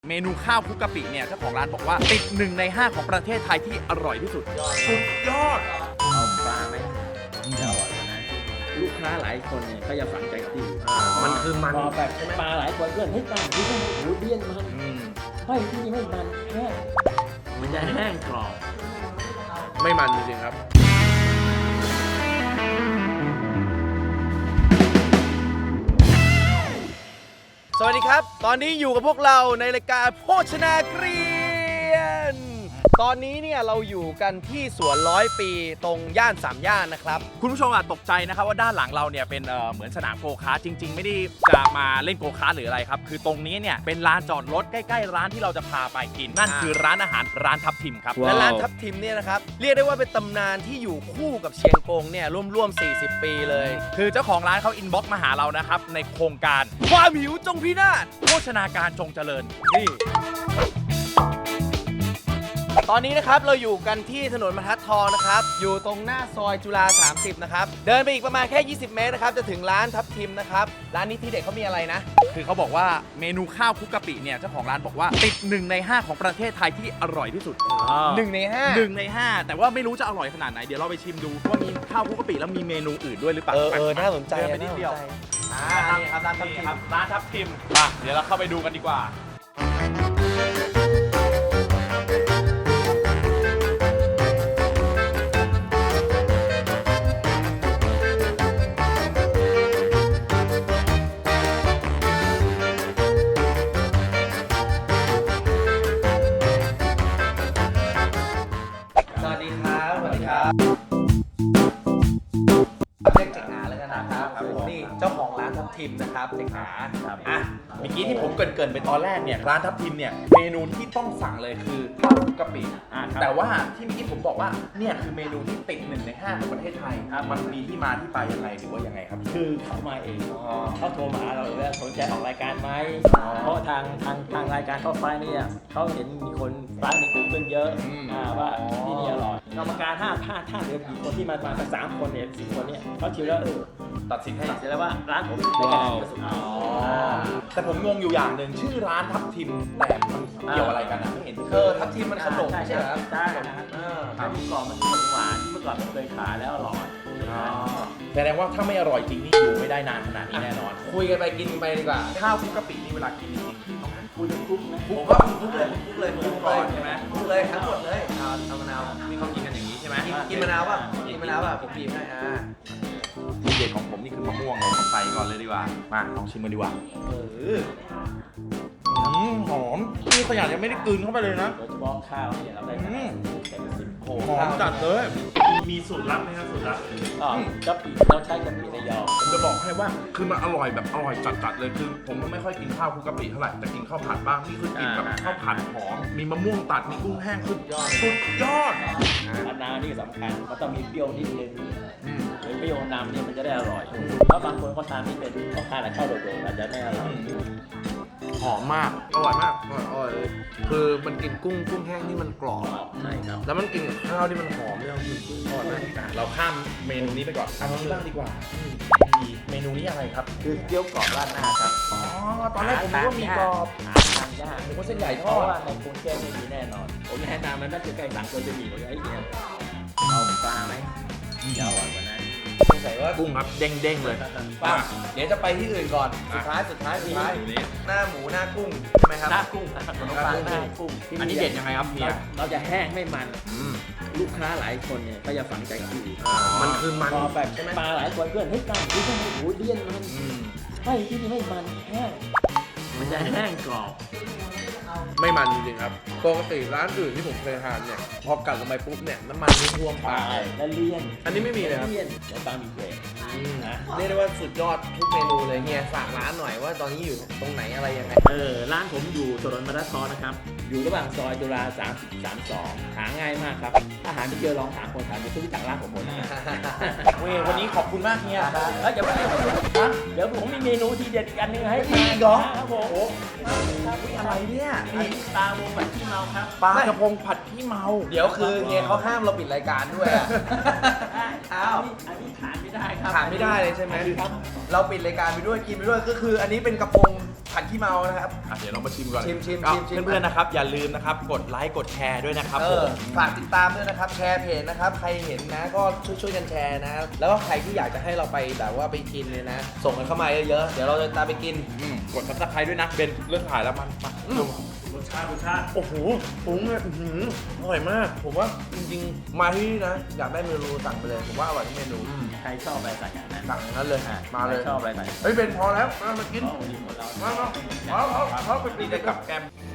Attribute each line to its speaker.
Speaker 1: เมนูข้าวคลุกกะปิเนี่ยเจ้าของร้านบอกว่าติด1 ใน 5ของประเทศไทยที่อร่อยที่สุดสุดยอด
Speaker 2: เอาปลาไหมจะอร่อยกว่านั้นลูกค้าหลายคนเนี่ยก็จะฝังใจกับที่อยู่
Speaker 3: มันคือมัน
Speaker 2: พอแบบปลาหลายคนเพื่อนเฮ้ยปลาที่นี่โอ้โหเลี่ยนมันเฮ้ยที่นี่ไม่มันแห้งมันจะแห้งกรอบ
Speaker 3: ไม่มันจริงๆครับสวัสดีครับตอนนี้อยู่กับพวกเราในรายการโภชนาเกรียนตอนนี้เนี่ยเราอยู่กันที่สวน100 ปีตรงย่าน3 ย่านนะครับ
Speaker 1: คุณผู้ชมอาจตกใจนะครับว่าด้านหลังเราเนี่ยเป็นเหมือนสนามโกคาร์ทจริงๆไม่ได้จะมาเล่นโกคาร์ทหรืออะไรครับคือตรงนี้เนี่ยเป็นลานจอดรถใกล้ๆร้านที่เราจะพาไปกินนั่นคือร้านอาหารร้านทับทิมครับ
Speaker 3: และร้านทับทิมเนี่ยนะครับเรียกได้ว่าเป็นตำนานที่อยู่คู่กับเชียงกงเนี่ยร่วมๆ40 ปีเลย
Speaker 1: คือเจ้าของร้านเขาอินบ็อกซ์มาหาเรานะครับในโครงการความหิวจงพินาศโภชนาการจงเจริญนี่
Speaker 3: ตอนนี้นะครับเราอยู่กันที่ถนนบรรทัดทองนะครับอยู่ตรงหน้าซอยจุฬา30นะครับเดินไปอีกประมาณแค่20 เมตรนะครับจะถึงร้านทับทิมนะครับร้านนี้ที่เด็ดเขามีอะไรนะ
Speaker 1: คือเขาบอกว่าเมนูข้าวคลุกกะปิเนี่ยเจ้าของร้านบอกว่าติด1 ใน 5ของประเทศไทยที่อร่อยที่สุด
Speaker 3: 1 ใน 5
Speaker 1: 1 ใน 5แต่ว่าไม่รู้จะอร่อยขนาดไหนเดี๋ยวเราไปชิมดูว่ามีข้าวคลุกกะปิแล้วมีเมนูอื่นด้วยหรือเปล่า
Speaker 3: น่าสนใจ
Speaker 1: เดินไปนิดเดียว
Speaker 3: นี่ครับร้านทับ
Speaker 1: นี่
Speaker 3: ทิม
Speaker 1: ครับร้านทับทิมมาเดี๋ยวเราเข้าไปดูกันดีกว่า
Speaker 3: สวัสดีครับสวัสดีครับเรียกเจ๊งหาแล้วกันนะครับนี่เจ้าของร้านทับทิมนะครับเจ๊งหา
Speaker 1: อ่ะเมื่อกี้ที่ผมเกริ่นๆไปตอนแรกเนี่ยร้านทับทิมเนี่ยเมนูที่ต้องสั่งเลยคือข้าวคลุกกะปิแต่ว่าที่เมื่อกี้ผมบอกว่าเนี่ยคือเมนูที่ติด1 ใน 5ของประเทศไทยมันมีที่มาที่ไปยังไงหรือว่ายังไงครับ
Speaker 2: คือเขามาเองเขาโทรมาหาเราเลยว่าสนใจออกรายการไหมเพราะทางรายการเข้าไปเนี่ยเขาเห็นมีคนร้านในกลุ่มเพื่อนเยอะว่าที่นี่อร่อยกรรมการถ้าเหลือกี่คนที่มาสัก3 คนเนี่ย4 คนเนี่ยเขาชิวแล้ว
Speaker 1: ตัดสินให้
Speaker 2: ตัดสินแล้วว่าร้านผมเป็นการที่สุด
Speaker 1: แต่ผมงงอยู่อย่างหนึ่งชื่อร้านทับทิมแต่มันเกี่ยวอะไรกันนะไม่เห็นที่
Speaker 3: ทับทิมมันขนม
Speaker 2: ใช่
Speaker 3: ใช่ไหมครับ
Speaker 2: ใช่นะครับถ้าเมื่อก่อนมันขนมหวานเมื่อก่อนมันเคยขายแล้วอร่อย
Speaker 1: แสดงว่าถ้าไม่อร่อยจริงนี่อยู่ไม่ได้นานขนาดนี้แน่นอน
Speaker 3: คุยกันไปกินไปดีกว่า
Speaker 1: ข้าวคลุกกะปินี่เวลากินจริงๆคือต้อง
Speaker 2: คุณคุกนะ
Speaker 3: ผมว่าคุกเลยคุกเลย
Speaker 1: คลุกก่อนใช่ไหม
Speaker 3: คุกเลยทั้งหมดเลยเอามะนาว
Speaker 1: นี่เขากินกันอย่างนี้ใช่ไหม
Speaker 3: กินมะนาวป่ะกินมะนาวป่ะผมบีบให้
Speaker 1: ทีเด็ดของผมนี่คือมะม่วงเลยใส่ก่อนเลยดีกว่ามาลองชิมกันดีกว่าหอมนี่ขยะยังไม่ได้กลืนเข้าไปเลยนะ
Speaker 2: โดยเฉพาะข้าวเนี่ยเราได้คะแนนเต็ม10
Speaker 1: หอมจัดเลยมีสูตรลับไหมครับสูตรลับ
Speaker 2: กะปิเราใช้กะปิระยอง
Speaker 1: ผมจะบอกให้ว่าคือมันอร่อยแบบอร่อยจัดๆเลยคือผมไม่ค่อยกินข้าวคลุกกะปิเท่าไหร่แต่กินข้าวผัดบ้างนี่คือกินแบบข้าวผัดหอมมีมะม่วงตัดมีกุ้งแห้งสุดยอด
Speaker 2: มะนาวนี่สำคัญมันต้องมีเปรี้ยวนิดนึงหรือเปรี้ยวนำเนี่ยมันจะได้อร่อยเพราะบางคนก็ทานที่เป็นเขาทานแต่ข้าวโดดๆอาจจะไม่อร่อย
Speaker 3: หอมมากอร่อยมากอร่อยเลยคือมันกินกุ้งแห้งที่มันกรอบ
Speaker 2: ใช่ครับ
Speaker 3: แล้วมันกินกับข้าวที่มันหอมเนี่ยคืออร่อยมาก
Speaker 1: เราข้ามเมนูนี้ไปก่อนเอานี้บ้างดีกว่าเมนูนี้อะไรครับ
Speaker 2: คือเกี๊ยวกรอบราดหน้าครับ
Speaker 1: อ๋อตอนแรกผมนึกว่ามีกรอบ
Speaker 2: ทานยาก
Speaker 1: นึกว่าเส้นใหญ่ท
Speaker 2: เพ
Speaker 1: อ
Speaker 2: ราะ
Speaker 1: ด
Speaker 2: ว่าในกรุงเทพไม่มีแน่นอนผมแนะนำมันน่าจะใกล้สั่งคนจะมีไอ้เนี่ยเอาปลาไหมจะอร่อยกว่านั้น
Speaker 3: สงสัยว่า
Speaker 1: กุ้งครับเด้งๆเลย
Speaker 3: ป้าเดี๋ยวจะไปที่อื่นก่อนสุดท้าย
Speaker 1: เมนูนี้
Speaker 3: หน้าหมูหน้ากุ้งใช่ไหมครับ
Speaker 2: หน้ากุ้งครับขนมปังหน้ากุ้ง
Speaker 1: อันนี้เด็ดยังไงครับเฮีย
Speaker 2: เราจะแห้งไม่มันลูกค้าหลายคนเนี่ยก็จะฝังใจกับที่อยู่
Speaker 3: มันคือมัน
Speaker 2: พอแบบ
Speaker 3: ใช่ไหม
Speaker 2: ปลาหลายคนเพื่อนเฮ้ยปลาที่นี่โอ้โหเลี่ยนมันเฮ้ยที่นี่ไม่มันแห้งมันจะแห้งกรอบ
Speaker 3: ไม่มันจริงๆครับปกติร้านอื่นที่ผมเคยทานเนี่ยพอกัดลงไปปุ๊บเนี่ยน้ำมันนี่ท่วมปากเลย
Speaker 2: และเลี่ยน
Speaker 3: อันนี้ไม่มีเลยครับ
Speaker 2: เลี่ยนเดี๋ยวปลามีเกรดนะ
Speaker 3: เรียกได้ว่าสุดยอดทุกเมนูเลยเฮียฝากร้านหน่อยว่าตอนนี้อยู่ตรงไหนอะไรยังไง
Speaker 2: ร้านผมอยู่ถนนบรรทัดทองนะครับอยู่ระหว่างซอยจุฬา32หาง่ายมากครับอาหารที่เจอลองถามคนถามจะรู้จักร้านผมหมดนะครับ
Speaker 1: เว้ยวันนี้ขอบคุณมากเฮีย
Speaker 2: แล้วเดี๋ยวผมมีเมนูทีเด็ดอีกอันหนึงให้
Speaker 1: มีอีกเหรอ
Speaker 2: ครับผม
Speaker 1: อะไรเนี่ยนี่
Speaker 2: ปลาวงแบบที่เมาครับ
Speaker 1: ปลากระพงผัดขี้เมา
Speaker 3: เดี๋ยวคือเฮียเขาห้ามเราปิดรายการด้วยอะ อ้าว
Speaker 2: อันนี้ขาดไม่ได้ครับ
Speaker 3: ขาดไม่ได้เลยใช่ไหม
Speaker 2: ครับ
Speaker 3: เราปิดรายการไปด้วยกินไปด้วยก็คือ อันนี้เป็นกระพงผัดขี้เมานะครับ
Speaker 1: เดี๋ยวเรามาชิมก่อน
Speaker 3: ชิม
Speaker 1: ก็
Speaker 3: ชิม
Speaker 1: เพื่อนๆนะครับ อย่าลืมนะครับ กดไลค์กดแชร์ด้วยนะครับ
Speaker 3: เอ
Speaker 1: ผ
Speaker 3: อ
Speaker 1: ม
Speaker 3: ฝากติดตามด้วยนะครับแชร์เพจนะครับใครเห็นนะก็ช่วยกันแชร์นะครับแล้วก็ใครที่อยากจะให้เราไปแบบว่าไปกินเนี่ยนะ ส่งกันเข้ามาเยอะๆเดี๋ยวเราจะตามไปกิน
Speaker 1: กดซับสไครต์ด้วยนะเบนเรื่องถ่ายแล้วมันมาดู
Speaker 2: รสชาติ
Speaker 3: โอ้โหปุ้งเนี่ยอื้อหืออร่อยมาก ผมว่าจริงๆมาที่นี่นะอยากได้เมนูสั่งไปเลยผมว่าอร่อยทุกเมนู
Speaker 2: ใครชอบอะไรสั่งอย่างนั้น
Speaker 3: สั่งนั้นเลยมาเลย
Speaker 2: ใครชอบอะไรสั่ง
Speaker 3: เฮ้ยเป็นพอแล้วมากิน
Speaker 2: โอ้ดีหมดเรา
Speaker 3: มาเอาไปกิน
Speaker 1: นี่ได้กับแกม